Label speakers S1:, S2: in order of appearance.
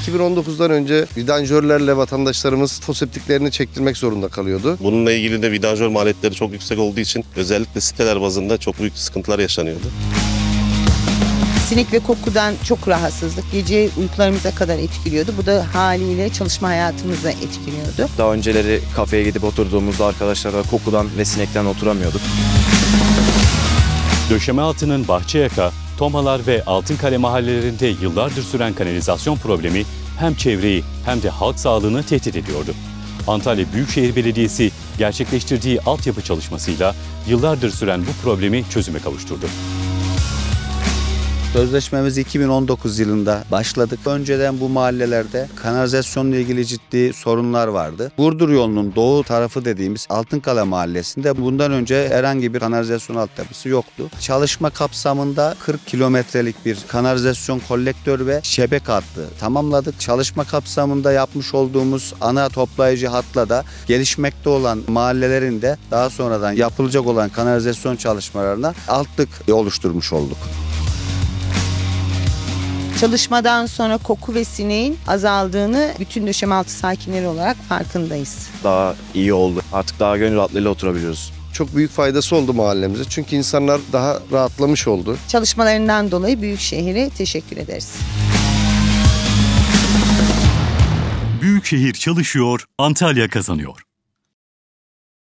S1: 2019'dan önce vidanjörlerle vatandaşlarımız foseptiklerini çektirmek zorunda kalıyordu.
S2: Bununla ilgili de vidanjör maliyetleri çok yüksek olduğu için özellikle siteler bazında çok büyük sıkıntılar yaşanıyordu.
S3: Sinek ve kokudan çok rahatsızlık. Gece uykularımıza kadar etkiliyordu. Bu da haliyle çalışma hayatımıza etkiliyordu.
S4: Daha önceleri kafeye gidip oturduğumuzda arkadaşlarla kokudan ve sinekten oturamıyorduk.
S5: Döşeme altının Bahçeyaka, Tomalar ve Altınkale mahallelerinde yıllardır süren kanalizasyon problemi hem çevreyi hem de halk sağlığını tehdit ediyordu. Antalya Büyükşehir Belediyesi gerçekleştirdiği altyapı çalışmasıyla yıllardır süren bu problemi çözüme kavuşturdu.
S6: Sözleşmemiz 2019 yılında başladık. Önceden bu mahallelerde kanalizasyonla ilgili ciddi sorunlar vardı. Burdur yolunun doğu tarafı dediğimiz Altınkale mahallesinde bundan önce herhangi bir kanalizasyon altyapısı yoktu. Çalışma kapsamında 40 kilometrelik bir kanalizasyon kolektör ve şebeke hattı tamamladık. Çalışma kapsamında yapmış olduğumuz ana toplayıcı hatla da gelişmekte olan mahallelerin de daha sonradan yapılacak olan kanalizasyon çalışmalarına altlık oluşturmuş olduk.
S3: Çalışmadan sonra koku ve sineğin azaldığını bütün döşemealtı sakinleri olarak farkındayız.
S4: Daha iyi oldu. Artık daha gönül rahatlığıyla oturabiliyoruz.
S1: Çok büyük faydası oldu mahallemize. Çünkü insanlar daha rahatlamış oldu.
S3: Çalışmalarından dolayı Büyükşehir'e teşekkür ederiz.
S7: Büyükşehir çalışıyor, Antalya kazanıyor.